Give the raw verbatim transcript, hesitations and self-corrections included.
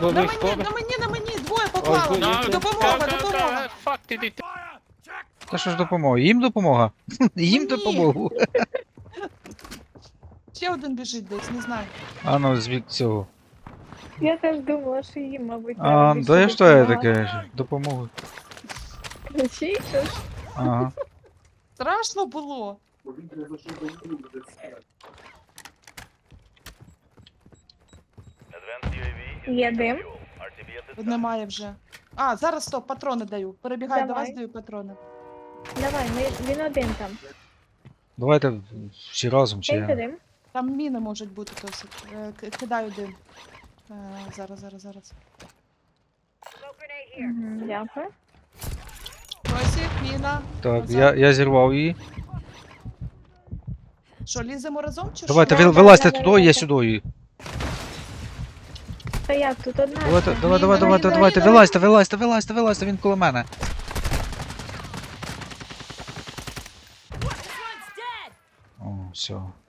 Go, На go, мені, go. на мені, на мені, двоє Ой, поклали. good, No, good. Допомога, go, go, допомога. go. Fuck did it? Та що ж допомога? Їм допомога? Їм Мені. допомогу. Ще один біжить десь, не знаю. А ну, звід цього. Я теж думала, що їм, мабуть, А, треба більше да я що я допомагати. таке? Допомогу. Ключі, що ж? Ага. Страшно було. Є дим. Немає вже. А, зараз стоп, патрони даю. Перебігаю до Давай. вас, даю патрони. Давай, ми, він один там. Давайте всі разом чи Дайте я. дим. Там міни можуть бути досить. Е, к- Кидаю дим. Е, Зараз, зараз, зараз. Мгм, Дякую. Тосік, міна. Так, Назад. я, я зірвав її. Що, ліземо разом чи Давайте, що? Да, ви- да, вилазьте да, туди, я давайте. сюди її. Та як тут одна? Давайте, ще? давай, давай, Міна, давайте, міна, давайте, міна. вилазьте, вилазьте, вилазьте, вилазьте, він коло мене. О, все.